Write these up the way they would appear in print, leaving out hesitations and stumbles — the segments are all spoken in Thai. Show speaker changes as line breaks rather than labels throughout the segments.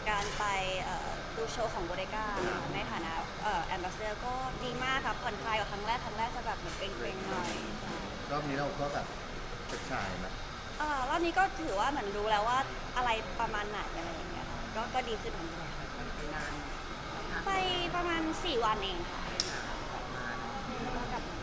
การไปดูโชว์ของโบเดก้าในฐานะแอมบาสเดอร์ก็ดีมากค่ะผ่อนคลายกว่าครั้งแรกจะแบบเหมือนเกรงๆหน่อย
รอบนี้เราก็แบบเป็นชายนะ
รอบนี้ก็ถือว่าเหมือนรู้แล้วว่าอะไรประมาณไหนอะไรอย่างเงี้ยค่ะก็ดีขึ้นของเราไปประมาณ4 วันเองค่ะก็กลับมา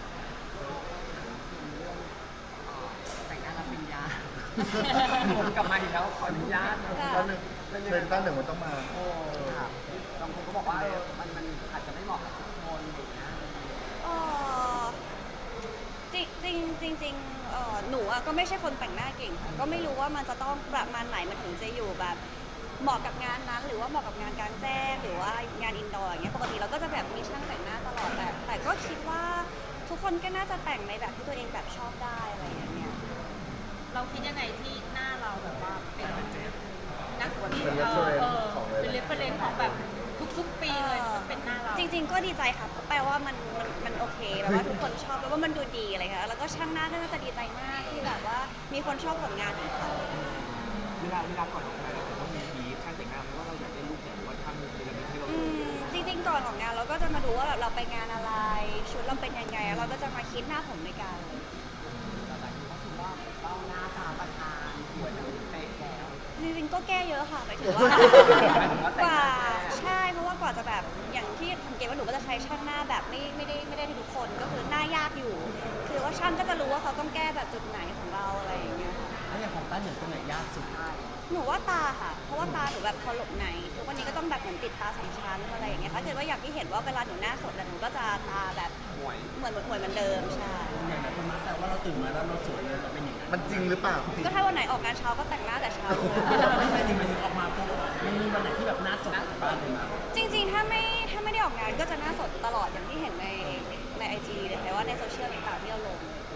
แต่งหน้ารับปริญญาผมกลับมาอีกแล้วขออนุญาต
ต้นหนึ่งเทรนต้นหนึ่งมันต้องมา
โอ้ครับบางคนก็บอกว่ามันอาจจะไม่เหมาะกับทุกคนอย่างเงี้ย
จริงหนูก็ไม่ใช่คนแต่งหน้าเก่งค่ะก็ไม่รู้ว่ามันจะต้องประมาณไหนมันถึงจะอยู่แบบเหมาะกับงานนั้นหรือว่าเหมาะกับงานกลางแจ้งหรือว่างานอินดอร์อย่างเงี้ยปกติเราก็จะแบบมีช่างแต่งหน้าตลอดแต่ก็คิดว่าทุกคนก็น่าจะแต่งในแบบที่ตัวเองแบบชอบได้อะไรอย่างเงี้ย
เราคิดยังไงที่หน้าเราแบบว่าเป็นนักที่
เป็น reference ของเลย
เป็นเรฟเฟรนซ์ของแบบทุกๆปีเลยเป็นหน้าเรา
จริงๆก็ดีใจค่ะเพราะแปลว่ามันโอเคแบบว่าทุกคนชอบแล้วว่ามันดูดีอะไรค่ะแล้วก็ช่างหน้าก็น่าจะดีใจมากที่แบบว่ามีคนชอบผลงานของเขา
เวลาก่อนออกงานเราผมว่ามีบีฟช่างแต่งหน้าเพราะว่าเราอยากได้รูปไหนหรือว่าทำเป็นอะไรที่เรา
จริงๆก่อนของงานเราก็จะมาดูว่าแบบเราไปงานอะไรชุดเราเป็นยังไงแล้วเราก็จะมาคิดหน้าผมในการ
หลายคนก็ถือว่าต้องหน้าตาประธานสวยแล้วเป๊ะแล้ว
จริงๆก็แก้เยอะค่ะหมายถึงว่ากว่าใช่เพราะว่ากว่าจะแบบอย่างที่สังเกตว่าหนูก็จะใช้ช่างหน้าแบบไม่ได้ทุกคนก็คือหน้ายากอยู่ คือว่าช่างก็จะรู้ว่าเขาต้องแก้แบบจุดไหนของเราอะไรอย่างเงี้ยค่ะ
แล้วอย่างของต้าเหนือตรงไหนยากสุด
หนูว่าตาค่ะเพราะว่าตาหนูแบบพอหลบในทุกวันนี้ก็ต้องแบบเหมือนติดตา2 ชั้นอะไรอย่างเงี้ยถ้าเกิดว่าอย่างที่เห็นว่าเวลาหนูหน้าสดหนูก็จะตาแบบ
หวย
เหมือนเหมือนเดิมใช่
อย่างไรคนมาแต่ว่าเราตื่นมาแล้วเราสวยเลยเราเป็นอย่างนั้น
มันจริงหรือเปล่า
ก็ถ้าวันไหนออกงานเช้าก็แต่งหน้าแต่เช้า
ไม่ใช่จริงมันออกมาปุ๊บมันมีวันไหนที่แบบหน้าสดบ้างเลยนะ
จริงๆถ้าไม่ได้ออกงานก็จะหน้าสดตลอดอย่างที่เห็นในไอจีเลยค่ะว่าในโซเชียลต่างๆที่เราลง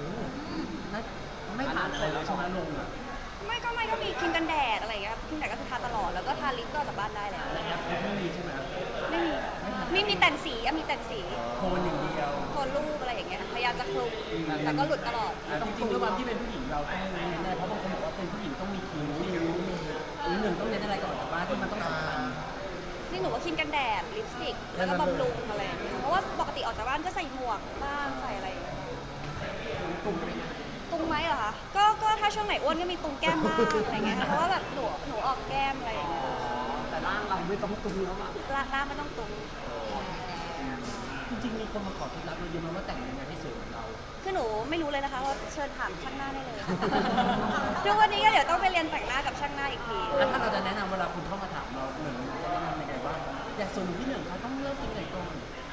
ไม่ผ่านอะไรเลยใช่ไหมลงอ่ะ
ไม่ก็มีครีมกันแดดอะไรอย่างเงี้ยครีมกันแดดก็คือทาตลอดแล้วก็ทาลิปก็ออกจากบ้านได้แล้ว
แต่แอปไม่มีใช่ไหม
ไม่มีแต่งสีมีแต่งสี
โคนอย่างเดียว
โคนรูปอะไรอย่างเงี้ยพยายามจะคลุมแต่ก็หลุดตลอด
จริงๆด้วยความที่เป็นผู้หญิงเราต้องเน้นแน่เพราะบางคนบอกว่าเป็นผู้หญิงต้องมีคิ้วมีหนึ่งต้องเน้นอะไรก่อนจากบ้านที่มันต้องสำคัญ
นี่หนูว่าครีมกันแดดลิปสติกแล้วก็บำรุงอะไรอย่างเงี้ยเพราะว่าปกติออกจากบ้านก็ใส่หมวกบ้างใส่อะไรอย่างเงี้ย
กลุ่มเป็น
ตุงไหมเหรอคะก็ถ้าช่วงไหนอ้วนก็มีตุงแก้มบ้างอะไรเงี้ยค่ะเพราะว่าแบบหนูออกแก้มอะไรอย่างเงี้ย
แต่ร่างเราไม่ต้องตุ้งแล้วอ่ะ
ล่างไม่ต้องตุง
จริงๆมีคนมาขอเคล็ดลับเราเยอะมากว่าแต่งยังไงให้สวยเหมือนเรา
คือหนูไม่รู้เลยนะคะว่าเชิญถามช่างหน้าได้เลยทุกวันนี้ก็เดี๋ยวต้องไปเรียนแต่งหน้ากับช่างหน้าอีกที
แล้วถ้าเราจะแนะนำเวลาคุณเข้ามาถามเราหนึ่งจะแนะนำยังไงบ้างอย่างส่วนที่หนึ่งเขาต้องเลือกตรงไหนก่อน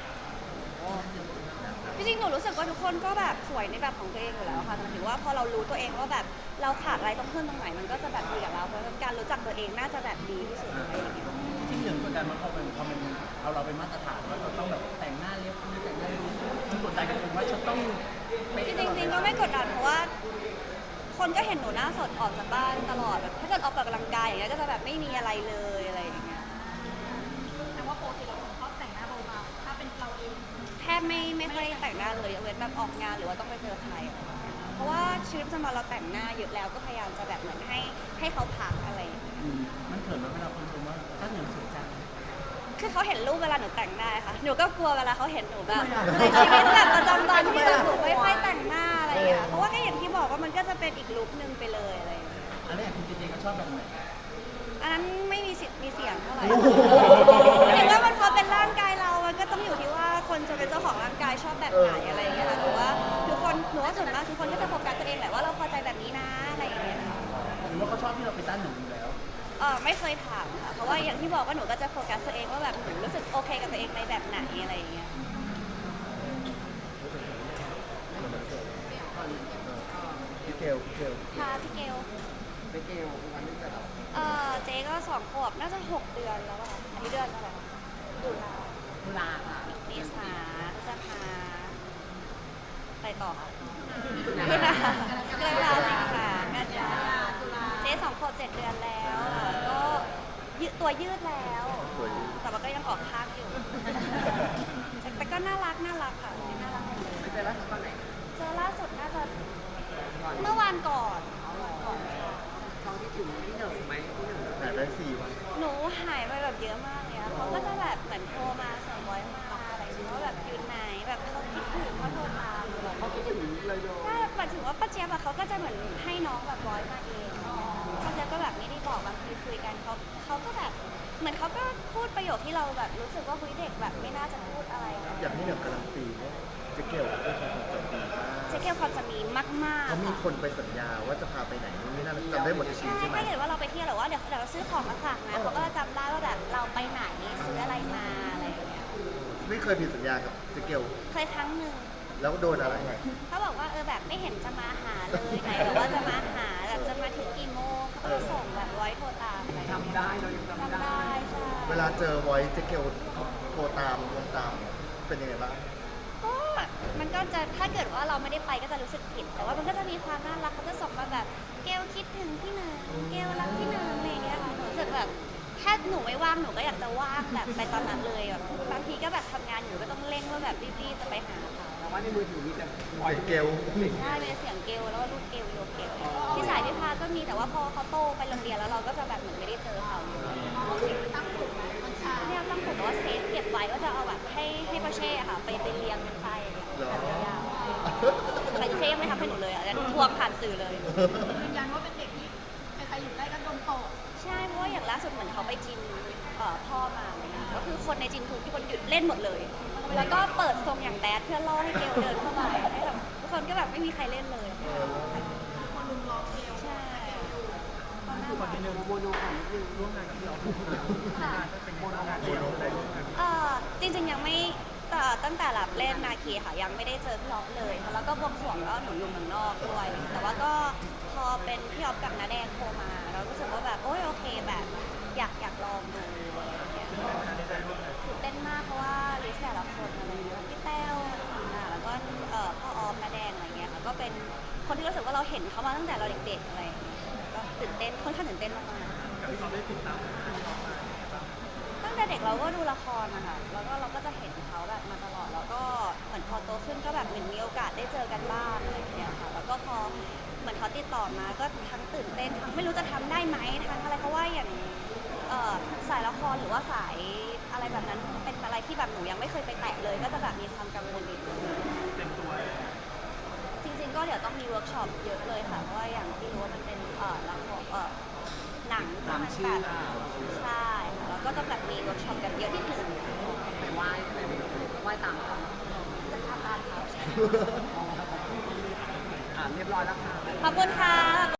จริงๆหนูรู้สึกว่าทุกคนก็แบบสวยในแบบของตัวเองอยู่แล้วค่ะหมายถึงว่าพอเรารู้ตัวเองว่าแบบเราขาดอะไรต้องเพิ่มตรงไหนมันก็จะแบบดีกับเราเพราะฉะนั้นการรู้จักตัวเองน่าจะแบบดีที่สุดอะไรอย่างเงี้ย
จริงๆหนึ่งกดดันมันพอมันเอาเราเป็นมาตรฐานว่าเราต้องแบบแต่งหน้าเรียบร้อยแต่งหน้าดูมันกดดันกันเองว่าจะต้อง
จริงๆก็ไม่กดดันเพราะว่า คนก็เห็นหนูหน้าสดออกจากบ้านตลอดแบบถ้าเกิดออกกำลังกายอย่างเงี้ยก็จะแบบไม่มีอะไรเลยอะไรอย่างเงี้ย
แต่ว่าปกติเราชอบแต่งหน้าเบาๆถ้าเป็นเราเอง
แทบไม่ค่อยแต่งหน้าเลยยกเว้นแบบออกงานหรือว่าต้องไปเจอใครอะไรอย่างเงี้ยเพราะว่าชีวิตประจำวันเราแต่งหน้าเยอะแล้วก็พยายามจะแบบเหมือนให้เขาพักอะไรอย่างเงี้ย
มันเขินไหมเวลาคนชมว่าถ้าหนึ่งสวยจัง
คือเขาเห็นรูปเวลาหนูแต่งหน้าค่ะหนูก็กลัวเวลาเขาเห็นหนูแบบในชีวิตแบบประจำวันที่แบบหนูไม่ค่อยแต่งหน้าอะไรอย่างเงี้ยเพราะว่าก็อย่างที่บอกว่ามันก็จะเป็นอีกลุคนึงไปเลยอะไรอย่างเงี้ย
อันนี้คุณเจเจก็ชอบแบบไหน
อันนั้นไม่มีสิทธิ์มีเสียงเท่าไหร่เห็นว่ามันพอเป็นร่างกายเรา มันก็ต้องอยู่ที่ว่าคนจะเป็นเจ้าของร่างกายชอบแบบไหนอะไรอย่างเงี้ยค่ะหรือว่าทุกคนหนูว่าส่วนมากทุกคนก็จะโฟกัสตัวเองแหละว่าเราพอใจแบบนี้นะอะไรอย่างเงี้ยค่ะ
หรือว่าเขาชอบที่เราไปต้านหนึ่งอยู่แล้ว
ไม่เคยถามค่ะเพราะว่าอย่างที่บอกว่าหนูก็จะโฟกัสตัวเองว่าแบบหนูรู้สึกโอเคกับตัวเองในแบบไหนอะไรอย่างเงี้ย
พี่เกล
ค่ะพี่เกล
ไปเกลวันนี้จะแบบ
เจ๊ก็2 ขวบน่าจะ6 เดือนแล้วอะอันนี้เดือนเท่าไหร่ตุลา
ตุลาค่ะ
เมษาพฤษภาไปต่อค่ะ
ตุลา
ตุลาตุลาสิงหากันยาเจ๊2 ขวบ7 เดือนแล้วอะก็ตัวยืดแล้ว แต่ว่าก็ยังออกข้างอยู่ แต่ก็น่ารักค่ะน่ารัก
ไปเจอล่าสุดตอนไหน
เจอล่าสุดน่าจะ
ก่อน
เมื่อวานก่อน
ช่องที่ถึงที่หนึ่งไหมที่หนึ่ง
หายไป4 วัน
หนูห
เลยโย
ก็หมายถึงว่าป้าเจี๊ยบอะเขาก็จะเหมือนให้น้องแบบร้อยมาเองป้าเจี๊ยบก็แบบไม่ได้บอกบางทีคุยกันเขาก็แบบเหมือนเขาก็พูดประโยคที่เราแบบรู้สึกว่าคุยเด็กแบบไม่น่าจะพูดอะไรนะ
อย่างที่เหนือการันตีเนี่ยเจ๊เกลเป็นคนจบดีมาก
เจ๊เกียวความจะมีมากๆ
เขามี
ค่ะ
คนไปสัญญาว่าจะพาไปไหนนู่นนี่นั่นจำได้หมดในชีวิตใช่ไหม
ถ้าเกิดว่าเราไปเที่ยวหรือว่าเดี๋ยวเราซื้อของมาฝากนะเขาก็จะจำได้ว่าแบบเราไปไหนซื้ออะไรมาอะไรอย่างเงี้ย
ไม่เคยผิดสัญญากับเจ๊เกล
เคยครั้งหนึ่ง
แล้วโดนอะไร
เขาบอกว่าแบบไม่เห็นจะมาหาเลยไหนบอกว่าจะมาหาแบบจะมาถึงกี่โมงเขาก็ส่งแบบร้อยโทรตามอะไร
จำได้เรายังจำ
จำ
ได้
ได้ใช่
เวลาเจอไว้เจ๊เกลโทรตามลงตามเป็นยังไงบ้าง
ก็มันก็จะถ้าเกิดว่าเราไม่ได้ไปก็จะรู้สึกผิด แต่ว่ามันก็จะมีความน่ารักเขาจะส่งมาแบบเกลคิดถึงพี่หนึ่งเกลรักพี่หนึ่งอะไรอย่างเงี้ยค่ะหนูรู้สึกแบบแค่หนูไม่ว่างหนูก็อยากจะว่างแบบไปตอนนั้นเลยแบบบางทีก็แบบทำงานอยู่ก็ต้องเร่งว่าแบบรีบๆจะไปหาเขา
แต่ว่าในมือถือมีแต่
เจ๊เกล
ใช่เป็นเสียงเกลแล้วก็รูปเกลโยเกลที่สายพิพาก็มีแต่ว่าพอเขาโตไปโรงเรียนแล้วเราก็จะแบบเหมือนไม่ได้เจอเขาตั้งกลุ่มเนี่ยตั้งกลุ่มว่าเซฟเก็บไว้ก็จะเอาแบบให้ประเช่ค่ะไปเรียงเป็นไฟแบบยาวๆแต่เช่ไม่ทำให้หนูเลยอ่ะทวงผ่านสื่อเลย
ยืนยันว่าเป็นเด็กที่ใครๆอยู่ใกล้ก็โดนตก
ใช่เพราะว่าอย่างล่าสุดเหมือนเขาไปจิมพ่อมาอะไรเงี้ยก็คือคนในจิมทุกคนหยุดเล่นหมดเลย แล้วก็เปิดทรงอย่างแบดเพื่อล่อให้เกลเดินเข้ามาให้แบบทุกคนก็แบบไม่มีใครเล่นเลย
คนลุมล้อมเกล
ใช่
คือคนที่หนึ่งโมโนของนิดนึงร่วมงานกับพี่ออฟเป็นงานเดียวได้ร่วมงาน
จริงๆยังไม่ตั้งแต่รับเล่นนาคีค่ะยังไม่ได้เจอพี่อ๊อฟเลยแล้วก็บวงสรวงก็หนูอยู่เมืองนอกด้วย แต่ว่าก็พอเป็นพี่อ๊อฟกับน้าแดงโทรมาเรารู้สึกว่าแบบโอ้ยโอเคแบบอยากลองดูอะไรอย่างเงี้ยตื่นเต้นมากเพราะว่าลิสต์แต่ละคนอะไรเงี้ยพี่แต้วแล้วก็พ่อออฟน้าแดงอะไรเงี้ยค่ะก็เป็นคนที่รู้สึกว่าเราเห็นเขามาตั้งแต่เราเด็กๆอะไรอย่างเงี้ยก็ตื่นเต้นค่อนข้างตื่นเต้นมากๆ ตั้งแต่เด็กเราก็ดูละครนะคะแล้วก็เราก็จะเห็นเขาแบบมาตลอด แล้วก็เหมือนพอโตขึ้นก็แบบเหมือนมีโอกาสได้เจอกันบ้างอะไรอย่างเงี้ยค่ะ แล้วก็พอเหมือนเขาติดต่อมาก็ทั้งตื่นเต้นทั้งไม่รู้จะทำได้ไหมทั้งอะไรเพราะว่าอย่างสายละครหรือว่าสายอะไรแบบนั้นเป็นอะไรที่แบบหนูยังไม่เคยไปแตะเลย ก็จะแบบมีความกังวลนิดนึงจริงๆก็เดี๋ยวต้องมีเวิร์กช็อปเยอะเลยค่ะ เพราะว่าอย่างที่รู้ว่ามันเป็นละครหนังที่มันแบบใช่ค่ะแล้วก็ต้องแบบมีเวิร์กช็อปกันเยอะนิดนึง
ไปไหว้ตามเขา
จะทำบ้านเขา
เรียบร้อยแล้วค่ะ
ขอบคุณค่ะ